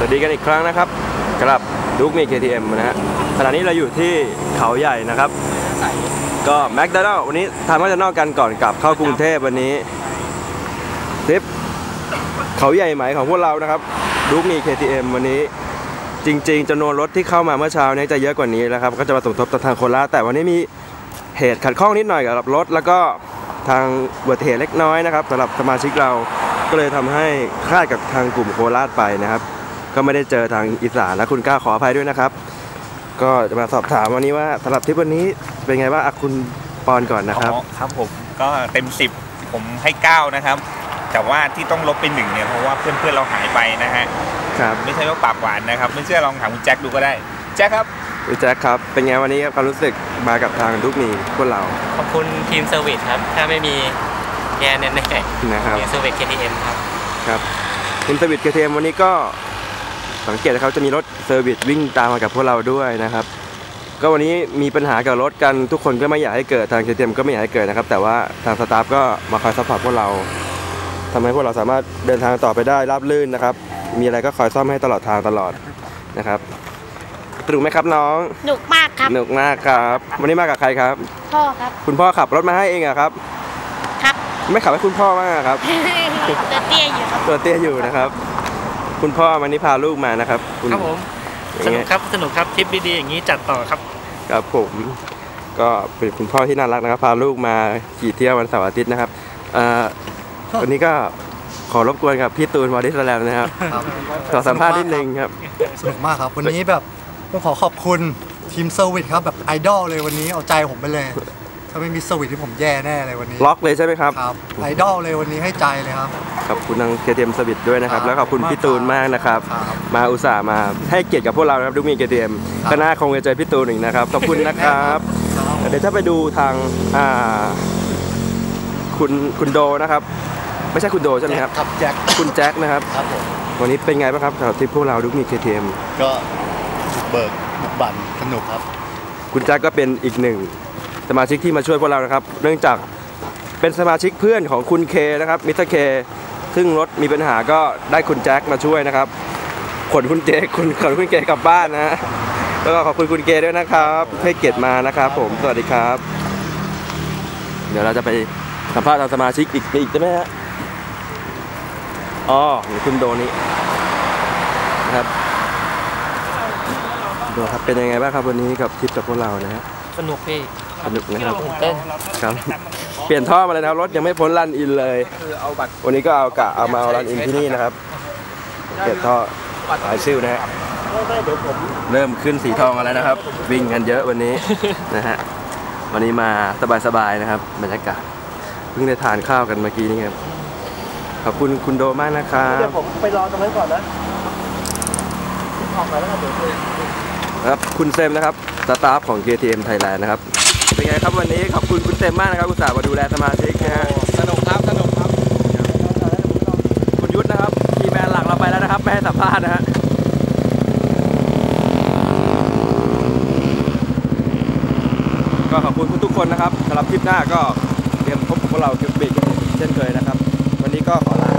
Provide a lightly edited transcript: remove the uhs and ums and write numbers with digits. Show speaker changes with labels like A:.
A: วัสดีกันอีกครั้งนะครับกับดุ๊กมี KTM นะฮะขณะนี้เราอยู่ที่เขาใหญ่นะครับก็แมคโดนัลด์วันนี้ทำแมคโดนัลด์กันก่อนกลับเข้ากรุงเทพวันนี้ทริปเขาใหญ่ไหมของพวกเรานะครับดุ๊กมี KTM วันนี้จริงๆจำนวนรถที่เข้ามาเมื่อเช้านี้จะเยอะกว่านี้แล้วครับก็จะมาสมทบทางโคราชแต่วันนี้มีเหตุขัดข้องนิดหน่อยกับรถแล้วก็ทางอุบัติเหตุเล็กน้อยนะครับสำหรับสมาชิกเราก็เลยทำให้คลาดกับทางกลุ่มโคราชไปนะครับก็ไม่ได้เจอทางอีสานและคุณก้าวขออภัยด้วยนะครับก็จะมาสอบถามวันนี้ว่าสำหรับทริปวันนี้เป็นไงบ้างคุณปอนก่อนนะครับ
B: ครับผมก็เต็ม10ผมให้9นะครับแต่ว่าที่ต้องลบไป1เนี่ยเพราะว่าเพื่อนเราหายไปนะฮะ
A: ครับ
B: ไม่ใช่ว่าปากหวานนะครับไม่เชื่อลองถามคุณแจ็คดูก็ได้แจ็คครับ
A: คุณแจ็คครับเป็นไงวันนี้ครับความรู้สึกมากับทางดุ๊กมีพวกเรา
C: ขอบคุณทีมเซอร์วิสครับถ้าไม่มีแย่แน่ๆ
A: นะครับ
C: เซอร์วิส KTM
A: ครับทีมเซอร์วิส KTM วันนี้ก็สังเกตนะครับจะมีรถเซอร์วิสวิ่งตามมากับพวกเราด้วยนะครับก็วันนี้มีปัญหากับรถกันทุกคนก็ไม่อยากให้เกิดทาง KTM ก็ไม่อยากให้เกิดนะครับแต่ว่าทางสตาฟก็มาคอยซัพพอร์ตพวกเราทำให้พวกเราสามารถเดินทางต่อไปได้ราบรื่นนะครับมีอะไรก็คอยซ่อมให้ตลอดทางตลอดนะครับสนุกไหมครับน้อง
D: สนุกมากครับ
A: สนุกมากครับวันนี้มากับใครครับ
D: พ่อครับ
A: คุณพ่อขับรถมาให้เองอะครับ
D: ครับ
A: ไม่ขับให้คุณพ่อมากครับ
D: ตัวเตี้ยอยู่ครับ
A: ตัวเตี้ยอยู่นะครับคุณพ่อวันนี้พาลูกมานะครับ
C: ครับผมสนุกครับทริปดีๆอย่างนี้จัดต่อครับ
A: ครับผมก็เป็นคุณพ่อที่น่ารักนะครับพาลูกมาขี่เที่ยววันเสาร์อาทิตย์นะครับวันนี้ก็ขอรบกวนกับพี่ตูนวอดิสแลมนะครับขอสัมภาษณ์นิดนึงครับ
E: สนุกมากครับวันนี้แบบต้องขอขอบคุณทีมเซอร์วิสครับแบบไอดอลเลยวันนี้เอาใจผมไปเลยถ้าไม่มีเซอร์วิสที่ผมแย่แน่เลยวันนี้
A: ล็อกเลยใช่ไหมครับ
E: ครับไอดอลเลยวันนี้ให้ใจเลยครับ
A: ขอบคุณทาง KTM เซอร์วิสด้วยนะครับแล้วขอบคุณพี่ตูนมากนะครับมาอุตส่าห์มาให้เกียรติกับพวกเราครับดุ๊กมี KTM ก็น่าคงจะเจอพี่ตูนอีกนะครับขอบคุณนะครับเดี๋ยวถ้าไปดูทางคุณโดนะครับไม่ใช่คุณโดใช่ไหมครับ
E: แจ็ค
A: คุณแจ็คนะครับวันนี้เป็นไงบ้างครับสำหรับทริปพวกเราดุ๊กมี KTM
E: ก็บุกบั่นสนุกครับ
A: คุณแจ็คก็เป็นอีกหนึ่งสมาชิกที่มาช่วยพวกเรานะครับเนื่องจากเป็นสมาชิกเพื่อนของคุณเคนะครับมิสเตอร์เคซึ่งรถมีปัญหาก็ได้คุณแจ็คมาช่วยนะครับขนคุณเคกลับบ้านนะฮะแล้วก็ขอบคุณคุณเคด้วยนะครับให้เกียรติมานะครับผมสวัสดีครับเดี๋ยวเราจะไปสัมภาษณ์ทางสมาชิกอีกใช่ไหมฮะอ๋อคุณโดนี่นะครับดูครับเป็นยังไงบ้างครับวันนี้กับทริปกับพวกเรานะฮะ
C: สนุกพี่
A: สนุกนะครับ
C: ตื่นเต้น
A: ครับเปลี่ยนท่อมาเลยนะครับรถยังไม่พ้นรันอินเลยวันนี้ก็เอามารันอินที่นี่นะครับเปลี่ยนท่อหลายชื่อนะฮะเริ่มขึ้นสีทองกันแล้วนะครับวิ่งกันเยอะวันนี้นะฮะวันนี้มาสบายๆนะครับบรรยากาศเพิ่งได้ทานข้าวกันเมื่อกี้นี่ครับขอบคุณคุณโดมากนะครับ
E: เดี๋ยวผมไปรอตรงนั้นก่อนนะออกไปแล้ว
A: ครับคุณเซมนะครับสตาฟของ KTM Thailand นะครับเป็นไงครับวันนี้ขอบคุณคุณเซมมากนะครับอุตส่าห์มาดูแลสมาชิกนะฮะ
B: สนุกครับ
A: คุณยุทธนะครับทีมแมนหลักเราไปแล้วนะครับไม่ให้สัมภาษณ์นะฮะก็ขอบคุณทุกคนนะครับสำหรับทริปหน้าก็เตรียมพบกับพวกเราเก็บบิ๊กเช่นเคยนะครับวันนี้ก็ขอลา